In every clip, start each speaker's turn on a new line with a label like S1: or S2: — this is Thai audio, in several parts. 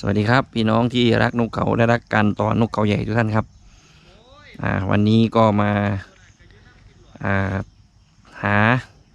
S1: วัสดีครับพี่น้องที่รักนกเขาและรักการต่อนกเขาใหญ่ทุกท่านครับวันนี้ก็มาหา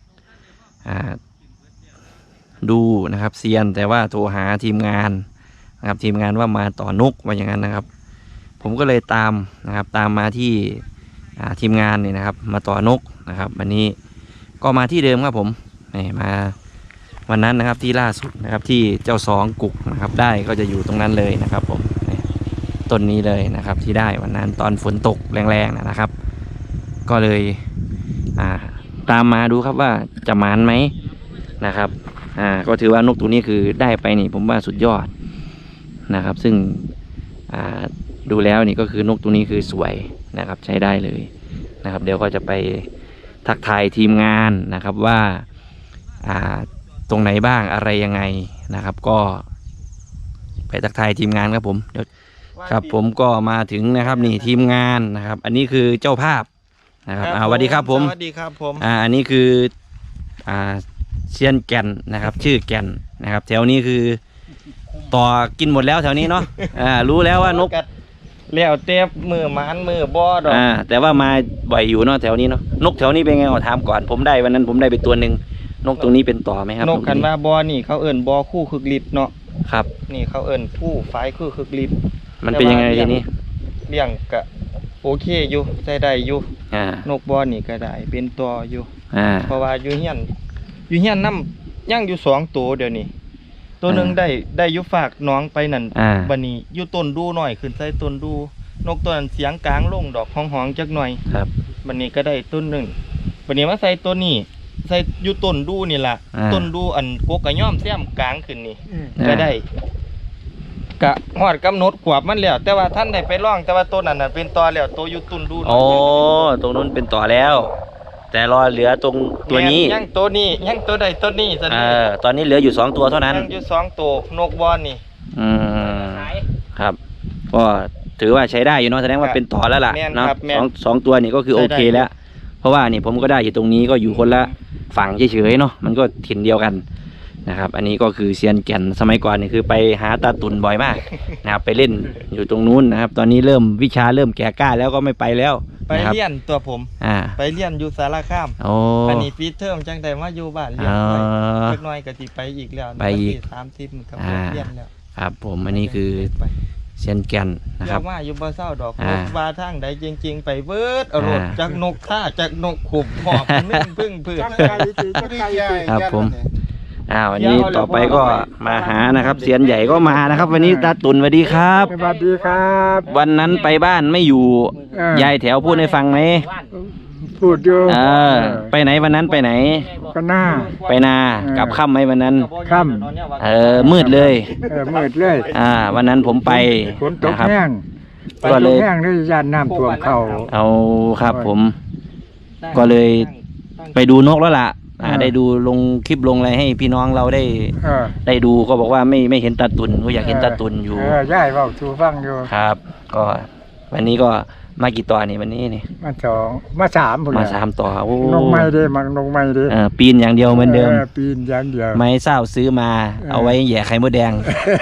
S1: ดูนะครับเซียนแต่ว่าโทรหาทีมงานนะครับทีมงานว่ามาต่อนกว่าอย่างนั้นนะครับผมก็เลยตามนะครับตามมาที่ทีมงานนี่นะครับมาต่อนกนะครับวันนี้ก็มาที่เดิมครับผมมาวันนั้นนะครับที่ล่าสุดนะครับที่เจ้าสองกุกนะครับได้ก็จะอยู่ตรงนั้นเลยนะครับผมต้นนี้เลยนะครับที่ได้วันนั้นตอนฝนตกแรงๆนะครับก็เลยตามมาดูครับว่าจะหมานไหมนะครับก็ถือว่านกตัวนี้คือได้ไปนี่ผมว่าสุดยอดนะครับซึ่งดูแล้วนี่ก็คือนกตัวนี้คือสวยนะครับใช้ได้เลยนะครับเดี๋ยวก็จะไปทักทายทีมงานนะครับว่าตรงไหนบ้างอะไรยังไงนะครับก็ไปทักทายทีมงานครับผมเดี๋ยวครับผมก็มาถึงนะครับนี่ทีมงานนะครับอันนี้คือเจ้าภาพนะครับสวัสดีครับผม
S2: สวัสดีครับผม
S1: อันนี้คือเซียนแก่นนะครับชื่อแก่นนะครับแถวนี้คือต่อกินหมดแล้วแถวนี้เนาะรู้แล้วว่านก
S2: แล้วเต็บมือมันมือบอด
S1: แต่ว่ามาบ่อยอยู่เนาะแถวนี้เนาะนกแถวนี้เป็นไงขอถามก่อนผมได้วันนั้นผมได้ไปตัวหนึ่งนกตรงนี้เป็นต่อไหมครับ
S2: นกกันว่าบอนี่เขาเอิ่นบอคู่คึกฤทธิ์เนาะ
S1: ครับ
S2: นี่เขาเอิ่นผู้ฝ่ายคู่คึกฤทธิ์
S1: มันเป็นยังไงทีนี้
S2: เลี้ยงกะโอเคอยู่ใช้ได้อยู่นกบอนี่ก็ได้เป็นตัวอยู่เพราะว่าอยู่เฮียนน้ำย่างอยู่2 ตัวเดี๋ยวนี้ตัวหนึ่งได้ยุฝากน้องไปนั่นบันนี้อยู่ต้นดูหน่อยขึ้นใส่ต้นดูนกตัวนั้นเสียงกลางลงดอกห้องจักหน่อย
S1: ครับ
S2: บันนี้ก็ได้ต้นหนึ่งบันนี้มาใส่ตัวนี้ใส่อยู่ต้นดูนี่แหละต้นดูอันโกกระย่อมแซมกลางขึ้นนี่ก็ได้กะหอดกำหนดขวบมันแล้วแต่ว่าท่านได้ไปร่องแต่ว่าต้นนั้นเป็นตอแล้วตัวอยู่ต้นดู
S1: โอ้ตรงนู้นเป็นต่อแล้วแต่รอเหลือตรงตัวนี้
S2: ยังตัวนี้ยังตัวใดตัวนี้
S1: ตอนนี้เหลืออยู่2 ตัวเท่านั้น
S2: ยังอยู่2 ตัวนกบอลนี่
S1: ครับก็ถือว่าใช้ได้อยู่เนาะแสดงว่าเป็นต่อแล้วล่ะเนาะสองตัวนี่ก็คือโอเคแล้วเพราะว่านี่ผมก็ได้อยู่ตรงนี้ก็อยู่คนละฝั่งเฉยๆเนาะมันก็ถิ่นเดียวกันนะครับอันนี้ก็คือเซียนแก่นสมัยก่อนนี่คือไปหาตาตุ่นบ่อยมากนะครับไปเล่นอยู่ตรงนู้นนะครับตอนนี้วิชาเริ่มแก่กล้าแล้วก็ไม่ไปแล้ว
S2: ไปเรียนตัวผมไปเรียนอยู่สารคามอันนี้ปีเทอมจังใดมาอยู่บ้านเรียนไปเล็กน้อยก็สิไปอีกแล้ว
S1: ไปอีก
S2: 30กับเรียนแล้ว
S1: ครับผมอันนี้คือเซียนแก่นนะครับ
S2: ว่าอยู่บ่เศร้าดอกนกว่าทางใดจริงๆไปเบิดอรดจากนกท่าจากนกขุบหอบนึ่งพึ่งเพื่อน
S1: ครับผมวันนี้ต่อไปก็มาหานะครับเซียนใหญ่ก็มานะครับวันนี้ตาตุ่นสวัสดีครับ
S3: สวัสดีครับ
S1: วันนั้นไปบ้านไม่อยู่ยายแถวพูดให้ฟังไหม
S3: พูดอยู่
S1: ไปไหนวันนั้นไปไหนไปนากับค่ำไหมวันนั้น
S3: ค่
S1: ำมืดเลย
S3: มืดเลย
S1: วันนั้นผมไป
S3: ฝนตกแห้งก็เลยแห้งเลยย่านน้ำท่วมเขา
S1: เอาครับผมก็เลยไปดูนกแล้วล่ะได้ดูลงคลิปลงอะไรให้พี่น้องเราได้ดูก็บอกว่าไม่เห็นตาตุ่นก็อยากเห็นตาตุ่นอยู่
S3: ใช่เว้าสู่ฟังอยู่
S1: ครับก็วันนี้ก็มากี่ตัวนี่วันนี้นี่
S3: มา2มา3
S1: มา3ตัวน
S3: กไม้ดิมันนกไม้ดิ
S1: ปีนอย่างเดียวเหมือนเดิม
S3: ปีนอย่างเดียว
S1: ไม้เศร้าซื้อมาเอาไว้แย่ไข่มดแดง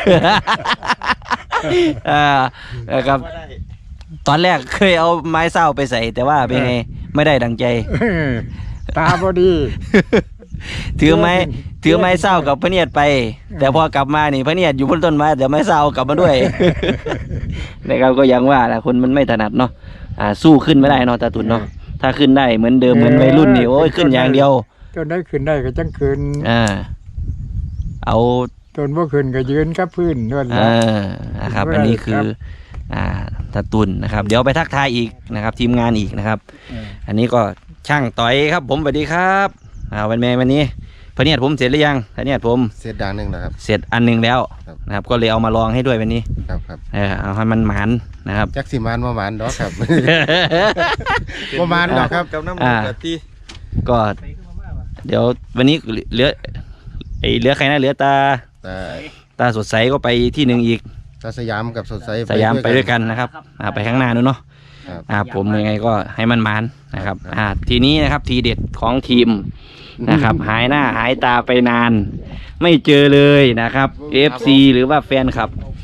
S1: ครับตอนแรกเคยเอาไม้เศร้าไปใส่แต่ว่าเป็นไงไม่ได้ดังใจ
S3: ตาพอดี
S1: ถือไม้เศร้ากับพระเนียดไปแต่พอกลับมานี่พระเนียดอยู่บนต้นไม้แต่ไม้เศร้ากลับมาด้วยนะครับก็ยังว่าแหละคนมันไม่ถนัดเนาะสู้ขึ้นไม่ได้เนาะตาตุ่นเนาะถ้าขึ้นได้เหมือนเดิมเหมือนวัยรุ่นนี่โอ้ยขึ้นอย่างเดียว
S3: ต้นได้ขึ้นได้ก็จังขึ้น
S1: เอา
S3: ต้นบ่ขึ้นก็ยืนกับพื้นนั่นแหละ
S1: นะครับอันนี้คือตาตุ่นนะครับเดี๋ยวไปทักทายอีกนะครับทีมงานอีกนะครับอันนี้ก็ช่างต่อยครับผมสวัสดีครับวันนี้พระเนียดผมเสร็จหรือยังพระเนียดผม
S4: เสร็จดังหนึ่งนะครับ
S1: เสร็จอันหนึ่งแล้วนะครับก็เลยเอามาลองให้ด้วยวันนี้
S4: ครับ
S1: เอาให้มันหมานนะครับ
S4: จักสิมานมาหมานดอกครับมาหมานดอกครับ
S2: กับน้ำมันกะทิ
S1: ก็เดี๋ยววันนี้เหลือใครนะเหลือตาสดใสก็ไปที่หนึ่งอีก
S4: ตาสยามกับสดใส
S1: สยามไปด้วยกันนะครับไปข้างหน้านู้นเนาะผมยังไงก็ให้มันหมานนะครับทีนี้นะครับทีเด็ดของทีมนะครับหายหน้าหายตาไปนานไม่เจอเลยนะครับ FC หรือว่าแฟนคลับ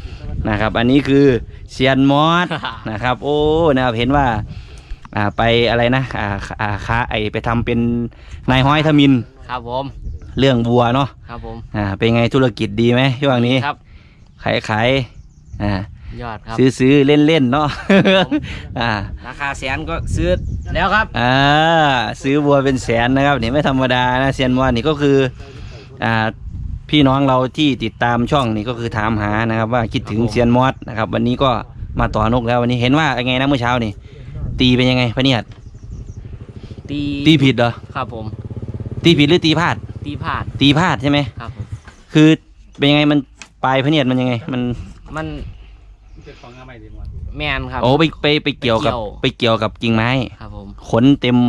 S1: นะครับ อันนี้คือเซียนมอส นะครับโอ้นะครับเห็นว่าไปอะไรนะค้าไปทำเป็นนายห้อยทมิน
S5: ครับผม
S1: เรื่องวัวเนาะ
S5: ครับผม
S1: เป็นไงธุรกิจดีไหมช่วงนี้
S5: ครับ
S1: ขาย
S5: ยอดครับ
S1: ซื้อเล่นเนาะ
S5: ราคาแสนก็ซื้อแล้วครับ
S1: ซื้อวัวเป็นแสนนะครับนี่ไม่ธรรมดานะเซียนมอสนี่ก็คือพี่น้องเราที่ติดตามช่องนี่ก็คือถามหานะครับว่าคิดถึงเซียนมอสนะครับวันนี้ก็มาต่อนกแล้ววันนี้เห็นว่าไงนะเมื่อเช้านี่ตีเป็นยังไงพะเนียดตีผิดเหรอ
S5: ครับผม
S1: ตีผิดหรือตีพลาด
S5: ตีพลาด
S1: ตีพลาดใช่ไหม
S5: ครับผม
S1: คือเป็นยังไงมันปลายพะเนียดมันยังไงมัน
S5: แมนครับ
S1: โอ้ไปเกี่ยวกับกิ่งไม้
S5: ครับผม
S1: ขนเต็ม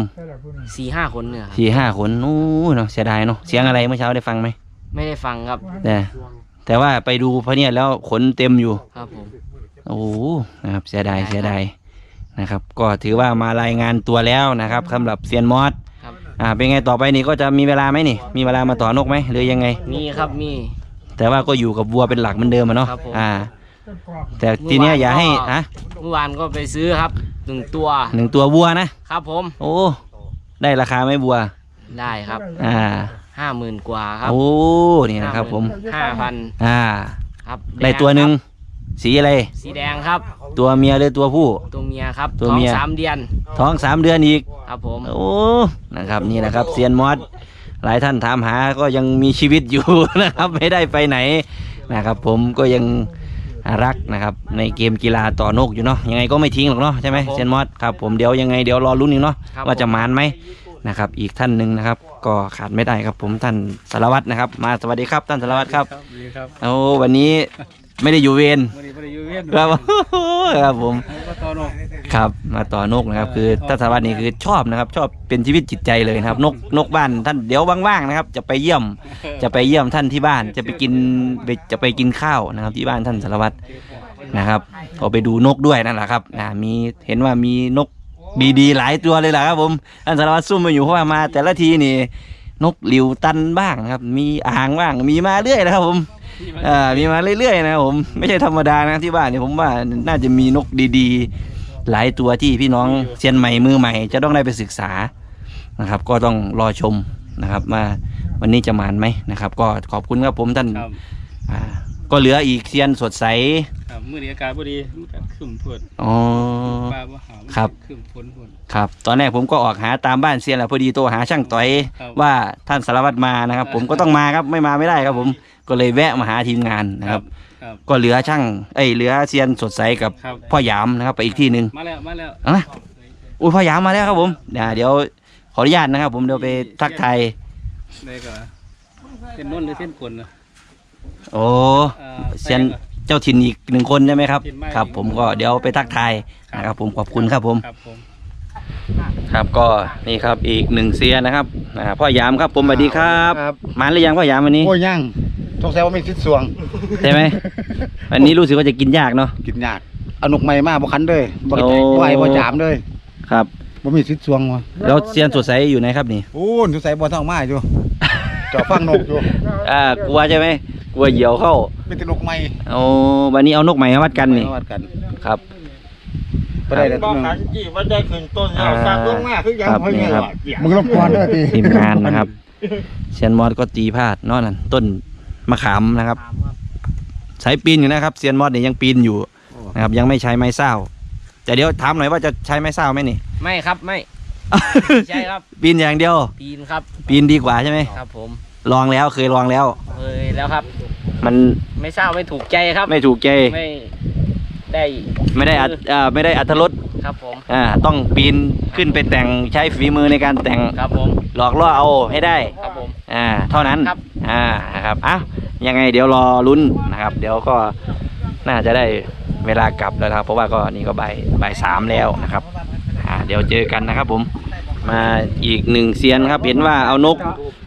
S5: 4-5 คนเนี่ยครับ
S1: 4-5 ขนนู้เนาะเสียดายเนาะเสียงอะไรเมื่อเช้าได้ฟังไหม
S5: ไม่ได้ฟังครับ
S1: แต่ว่าไปดูพะเนียดแล้วขนเต็มอยู่
S5: ครับผม
S1: โอ้นะครับเสียดายนะครับ ก็ถือว่ามารายงานตัวแล้วนะครับสำหรับเซียนมอส
S5: ครับ
S1: เป็นไงต่อไปนี่ก็จะมีเวลาไหมนี่มีเวลามาต่อนกไหมหรือยังไง
S5: มีครับมี
S1: แต่ว่าก็อยู่กับวัวเป็นหลักเหมือนเดิมอะเนาะ
S5: ครับผม
S1: แต่ทีเนี้ยอย่าให้ฮะ
S5: เมื่อวานก็ไปซื้อครับ1 ตัว
S1: 1 ตัววัวนะครับ
S5: ผม
S1: โอ้ได้ราคาไหมวัว
S5: ได้ครับ 50,000 กว่าครับ
S1: โอ้นี่นะครับผม
S5: 5,000 ครับ
S1: ได้ตัวหนึ่งสีอะไร
S5: สีแดงครับ
S1: ตัวเมียหรือตัวผู้
S5: ตัวเมียครับ
S1: ตัวเมีย
S5: ท้อง3 เดือน
S1: ท้อง3 เดือนอีก
S5: ครับผม
S1: โอ้นะครับนี่นะครับเซียนมอสหลายท่านถามหาก็ยังมีชีวิตอยู่ นะครับไม่ได้ไปไหนนะครับผมก็ยังรักนะครับในเกมกีฬาต่อนกอยู่เนาะยังไงก็ไม่ทิ้งหรอกเนาะใช่ไหมเซียนมอสครับผมเดี๋ยวยังไงเดี๋ยวรอลุ้นอีกเนาะว่าจะมานไหมนะครับอีกท่านหนึ่งนะครับก็ขาดไม่ได้ครับผมท่านสารวัตรนะครับมาสวัสดีครับท่านสารวัตรครับโอ้วันนี้ไม่ได้อยู่เวรครับครับผมครับมาต่อนกนะครับคือท่านสารวัตรนี่คือชอบนะครับชอบเป็นชีวิตจิตใจเลยนะครับนกบ้านท่านเดี๋ยวว่างๆนะครับจะไปเยี่ยมท่านที่บ้านจะไปกินข้าวนะครับที่บ้านท่านสารวัตรนะครับก็ไปดูนกด้วยนั่นแหละครับมีเห็นว่ามีนกดีๆหลายตัวเลยแหละครับผมท่านสารวัตรซุ่มมาอยู่เพราะว่ามาแต่ละทีนี่นกหลิวตันบ้างนะครับมีอ่างบ้างมีมาเรื่อยนะครับผมมีมาเรื่อยๆนะครับผมไม่ใช่ธรรมดานะที่บ้านนี่ผมว่าน่าจะมีนกดีๆหลายตัวที่พี่น้องเซียนใหม่มือใหม่จะต้องได้ไปศึกษานะครับก็ต้องรอชมนะครับมาวันนี้จะมานไหมนะครับก็ขอบคุณครับผมท่านก็เหลืออีกเซียนสดใส
S6: มื้อนี้อากาศบ่ดีมันก็ครึ้มฝน
S1: อ๋อ
S6: ฟ้าบ่หา
S1: ครับ
S6: ครึ้มฝน
S1: ครับตอนแรกผมก็ออกหาตามบ้านเซียนแหละพอดีโทรหาช่างต่อยว่าท่านสารวัตรมานะครับผมก็ต้องมาครับไม่มาไม่ได้ครับผมก็เลยแวะมาหาทีมงานนะครับก็เหลือเหลือเซียนสดใสกับพ่อหยามนะครับไปอีกที่หนึ่ง
S6: มาแล้ว
S1: อุ้ยพ่อหยามมาแล้วครับผมเดี๋ยวขออนุญาตนะครับผมเดี๋ยวไปทักทาย
S6: ได้ก็เส้นนนหรือเส้นกลนะ
S1: โอ้เซียนเจ้าถิ่นอีก1 คนใช่ไหมครับครับผมก็เดี๋ยวไปทักทายนะครับผมขอบคุณครับผมครับก็นี่ครับอีก1 เซียนนะครับพ่อหยามครับผมสวัสดีครับมาหรือยังพ่อหยามวันนี้
S3: โอ้ยังสงสัยว่ามีสิทธิ์สวง
S1: ใช่ไหมวันนี้รู้สึกว่าจะกินยากเนาะ
S3: กินยากเอานกใหม่มาบ่คันเลยบ่ไหวบ่จามเลย
S1: ครับ
S3: บ่มีสิทธิ์สวงวะ
S1: แล้วเซียนสดใสอยู่ไหนครับนี่
S3: โอ้สงสัยบ่ท้องมาอยู่จ่อฟังนกอยู่
S1: กลัวใช่ไหมกลัวเหยี่ยวเข้า
S3: เป็นนกใหม่
S1: วันนี้เอานกใหม่มาวัดกันนี่ครับ
S3: ไปได้แล้ว
S2: บอกขันจีว่าได้ขึ้นต้นแล้วสร้างลงมาคือยังเพิ่งเนี่ย
S3: มึงรบกวนด้วย
S1: ทีมงานนะครับเซียนมอสก็ตีพลาดนั่นต้นมะขามนะครับใช้ปีนอยู่นะครับเซียนมอสเนี่ยยังปีนอยู่นะครับยังไม่ใช้ไม้เศร้าแต่เดี๋ยวถามหน่อยว่าจะใช้ไม้เศร้าไหมนี่
S5: ไม่ครับไม่ใช่ครับ
S1: ปีนอย่างเดียว
S5: ปีนครับ
S1: ปีนดีกว่าใช่ไหม
S5: ครับผม
S1: ลองแล้วเคยลองแล้ว
S5: ครับ
S1: มัน
S5: ไม่เศร้าไม่ถูกใจครับ
S1: ไม่ถูกใจ
S5: ไม่ได้
S1: อรรถรส
S5: ครับผม
S1: ต้องปีนขึ้นไปแต่งใช้ฝีมือในการแต่ง
S5: ครับผม
S1: หลอกล่อเอาให้ได้
S5: ครับผม
S1: เท่านั้น
S5: ครับ
S1: ครับยังไงเดี๋ยวรอลุ้นนะครับเดี๋ยวก็น่าจะได้เวลากลับแล้วครับเพราะว่าก็นี่ก็บ่าย 3แล้วนะครับเดี๋ยวเจอกันนะครับผมมาอีก1 เซียนครับเห็นว่าเอานก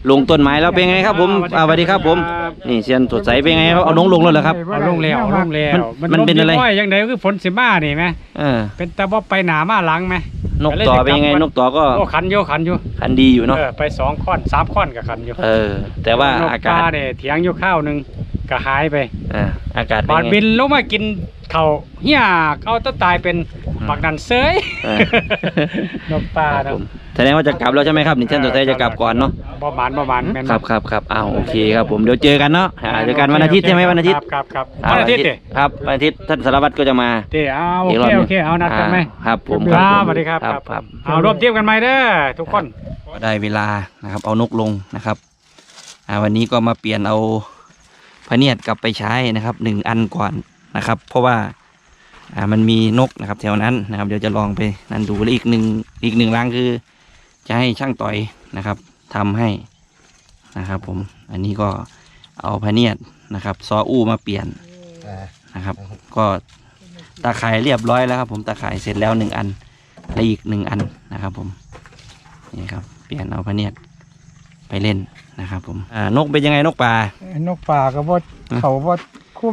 S1: ลงต้นไม้แล้วเป็นไงครับผมสวัสดีครับผมนี่เซียนสดใสเป็นไงครับเอาน้องลงแล้วเหรอครับ
S6: เอาลงแล้วเอาลงแล้ว
S1: มันเป็นอะไร
S6: อย่างใดก็คือฝนสิมานี่ไหม เป็นแต่ว่าไปหนามาหลังไหม
S1: นกต่อเป็นยังไงนกต่อก็
S6: โอ้ขันอยู่
S1: คันดีอยู่เนาะ
S6: ไป2 ข้อน 3 ข้อนกับขันอยู่
S1: แต่ว่าน
S6: ก
S1: อากา
S6: ป
S1: ศ
S6: ลาเนี่ยเถียงอยู่ข้าวหนึงก็หายไป
S1: อากาศเป็น
S6: บาด
S1: ไง
S6: บินลงมากินเขาวเฮียเอาต้นตายเป็นบักนันเซย นกปลา
S1: ครับ
S6: เนาะ
S1: ผมแสดงว่าจะกลับแล้วใช่ไหมครับนี่เซียนสดใสจะกลับก่อนเนาะ
S6: บ่หมานแม่น
S1: ครับอ้าวโอเคครับผมเดี๋ยวเจอกันเนาะเจอกันวันอาทิตย์ใช่ไหมวันอาทิตย์
S6: ครับวันอาทิตย์ดิ
S1: ครับวันอาทิตย์ท่านสารวัตรก็จะมา
S6: เอาโอ
S1: อีกรอบ
S6: เค
S1: หนึ่ง
S6: โอเคเอานัดกันไหม
S1: ครับผม
S6: ครับสวัสดีครับ
S1: ครับ
S6: เอารวมเทียบกันไหมเด้อทุกคน
S1: ก็ได้เวลานะครับเอานกลงนะครับวันนี้ก็มาเปลี่ยนเอาพะเนียดกลับไปใช้นะครับ1 อันก่อนนะครับ เพราะว่ามันมีนกนะครับแถวนั้นนะครับเดี๋ยวจะลองไปนั่นดูแล้วอีกหนึ่งรังคือ จะให้ช่างต่อยนะครับทำให้นะครับผมอันนี้ก็เอาพะเนียดนะครับซออู้มาเปลี่ยนนะครับ ก็ตาข่ายเรียบร้อยแล้วครับผมตาข่ายเสร็จแล้ว1 อันและอีก1 อันนะครับผมนี่ครับเปลี่ยนเอาพะเนียดไปเล่นนะครับผมนกเป็นยังไงนกป่าน
S3: กป่าก็บ่เขาบ่คุ้ม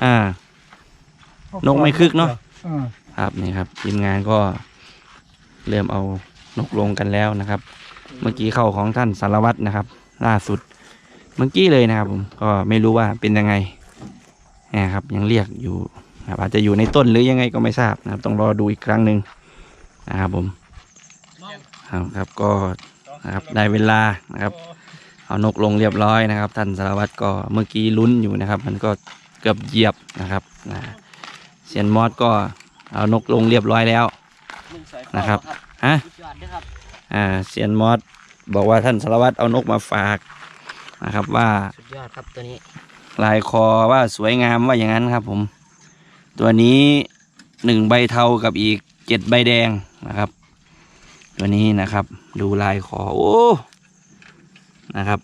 S1: นกไม่คึกเนาะ
S3: เออ
S1: ครับนี่ครับทีมงานก็เริ่มเอานกลงกันแล้วนะครับ เมื่อกี้เข้าของท่านสารวัตรนะครับ ล่าสุดเมื่อกี้เลยนะครับผมก็ไม่รู้ว่าเป็นยังไงนะครับยังเรียกอยู่นะครับอาจจะอยู่ในต้นหรือยังไงก็ไม่ทราบนะครับต้องรอดูอีกครั้งหนึ่งนะครับผมครับก็นะครับได้เวลานะครับเอานกลงเรียบร้อยนะครับ ท่านสารวัตรก็เมื่อกี้ลุ้นอยู่นะครับ มันก็เกือบเหยียบนะครับเซียนมอสก็เอานกลงเรียบร้อยแล้วนะครับเซียนมอสบอกว่าท่านสารวัตรเอานกมาฝากนะครับว่า
S5: สุดยอดครับตัวนี้
S1: ลายคอว่าสวยงามว่าอย่างนั้นครับผมตัวนี้1 ใบเทากับอีก7 ใบแดงนะครับ ตัวนี้นะครับดูลายคอโอ้นะครับ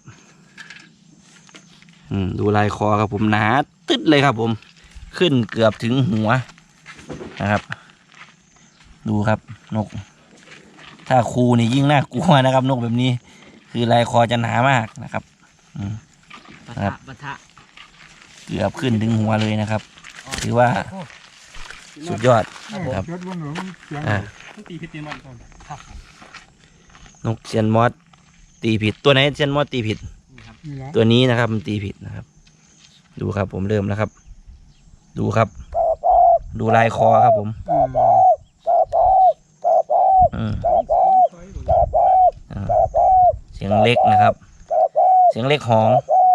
S1: ดูลายคอครับผมหนาตึ๊ดเลยครับผมขึ้นเกือบถึงหัวนะครับดูครับนกถ้าคูนี่ยิ่งน่ากลัวนะครับนกแบบนี้คือลายคอจะหนามากนะครับ
S5: ปะทะ
S1: เกือบขึ้นถึงหัวเลยนะครับถือว่าสุดยอดครับ
S3: ยศบนหัวมันเสียง
S6: ตีพิธีมันก่อน
S1: นกเซียนมอสตีผิดตัวไหนเซียนมอสตีผิด
S3: นี่แหละ
S1: ตัวนี้นะครับมันตีผิดนะครับ ดูครับผมเริ่มแล้วครับ ดูครับ ดูลายคอครับผมเสียงเล็กนะครับ เสียงเล็กหอง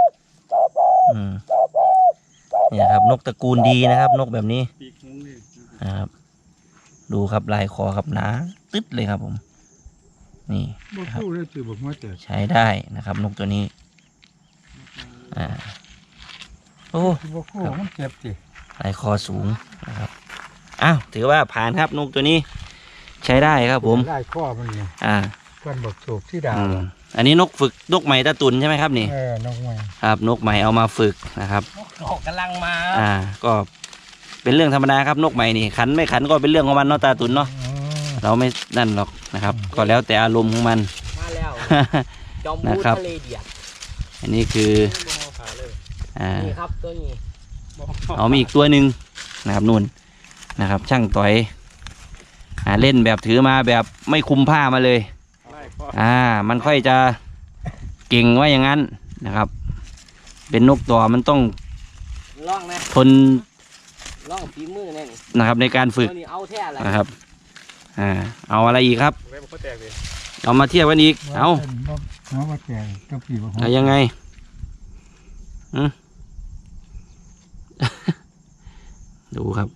S1: เนี่ยครับนกตระกูลดีนะครับ นกแบบนี้
S6: ปีกงงเลย
S1: นะครับดูครับลายคอครับหนาตึ๊ดเลยครับผมนี่
S3: บ่
S1: ครับ
S3: คู่เลยจือบ่หัวแต่
S1: ใช้ได้นะครับ นกตัวนี้โอ้
S3: บ่คู่มันเจ็บสิ
S1: ลายคอสูงนะครับอ้าวถือว่าผ่านครับนกตัวนี้ ใช้ได้ครับผม
S3: ได้ข้อมันนี่ เพื่อนบอกโศกที่ดาว
S1: อันนี้นกฝึกนกใหม่ตาตุนใช่ไหมครับนี่
S3: นกใหม่
S1: ครับนกใหม่เอามาฝึกนะครับ
S5: นกกำลังมา
S1: ก็เป็นเรื่องธรรมดาครับนกใหม่นี่ขันไม่ขันก็เป็นเรื่องของมันเนาะตาตุนเนาะเราไม่นั่นหรอกนะครับ ก็แล้วแต่อารมณ์ของมัน
S5: มาแล้วจอมบู
S1: นะครับ
S5: ทะเลเดียด
S1: อันนี้คือ
S5: นี่ครับตัวนี้
S1: เอามีอีกตัวหนึ่งนะครับนู่นนะครับ ช่างต่อยเล่นแบบถือมาแบบไม่คุมผ้ามาเลยมันค่อยจะเก่งว่าอย่างนั้นนะครับ เป็นนกต่อมันต้อง
S5: ล่องนะ
S1: ทน
S5: ล่องฝีมือแน่นี่
S1: นะครับในการฝึก
S5: ตัวนี้เอาแท้อะไร
S1: นะครับเอาอะไรอีกครับ
S6: เว็บเขาแตกเลย
S1: เอามาเทียบกันอีกเอา
S3: หัวบ่แก่ต้องปีบ่หัว
S1: เอายังไงดูครับ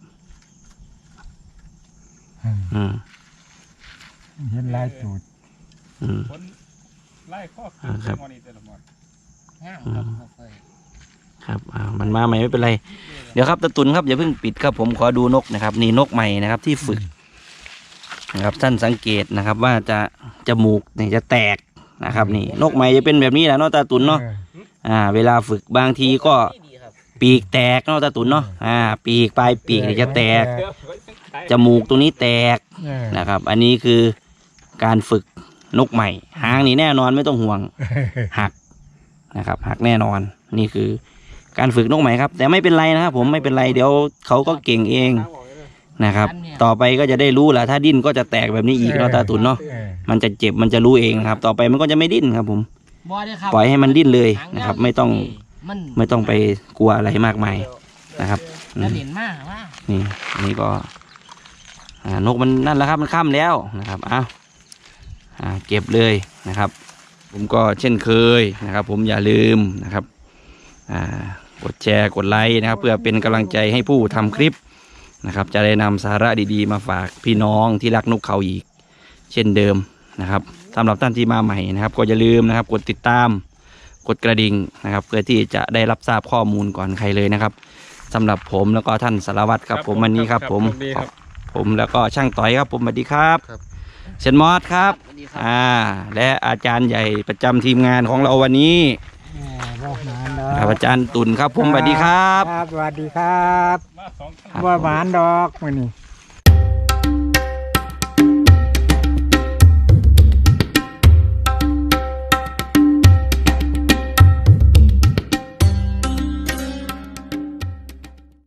S3: เห็นลายตูด
S6: คนไล่ข้อ
S1: ครับ
S6: มอนี่แต่ละหมด
S5: ง่ามครับ
S1: ครับมันมาใหม่ไม่เป็นไรเดี๋ยวครับตะตุนครับอย่าเพิ่งปิดครับผมขอดูนกนะครับนี่นกใหม่นะครับที่ฝึกนะครับท่านสังเกตนะครับว่าจะจมูกนี่จะแตกนะครับนี่นกใหม่จะเป็นแบบนี้แหละเนาะตาตุนเนาะเวลาฝึกบางทีก็ปีกแตกเนาะตาตุนเนาะปีกปลายปีกนี่จะแตกจมูกตรงนี้แตกนะครับ อันนี้คือการฝึกนกใหม่หางนี่แน่นอนไม่ต้องห่วงหักนะครับหักแน่นอนนี่คือการฝึกนกใหม่ครับแต่ไม่เป็นไรนะครับผมไม่เป็นไรเดี๋ยวเขาก็เก่งเองนะครับต่อไปก็จะได้รู้แหละถ้าดิ้นก็จะแตกแบบนี้อีกเนาะตาตุนเนาะมันจะเจ็บมันจะรู้เองนะครับต่อไปมันก็จะไม่ดิ้นครับผมปล่อยให้มันดิ้นเลยนะครับไม่ต้องไปกลัวอะไรมากมายนะครับนี่ก็นกมันนั่นแล้วครับมันค่ำแล้วนะครับเก็บเลยนะครับผมก็เช่นเคยนะครับผมอย่าลืมนะครับกดแชร์กดไลค์นะครับเพื่อเป็นกำลังใจให้ผู้ทำคลิปนะครับจะได้นำสาระดีๆมาฝากพี่น้องที่รักนกเขาอีกเช่นเดิมนะครับสำหรับท่านที่มาใหม่นะครับก็อย่าลืมนะครับกดติดตามกดกระดิ่งนะครับเพื่อที่จะได้รับทราบข้อมูลก่อนใครเลยนะครับสำหรับผมแล้วก็ท่านสารวัตรครับผมวันนี้ครับผมแล้วก็ช่างต่อยครับผมสวัสดีครับเชนมอสครับและอาจารย์ใหญ่ประจำทีมงานของเราวันนี้อาจารย์ตุ่นครับผมสวัสดีครับ
S3: สวัสดีครับว่าหวานดอกมื้อนี้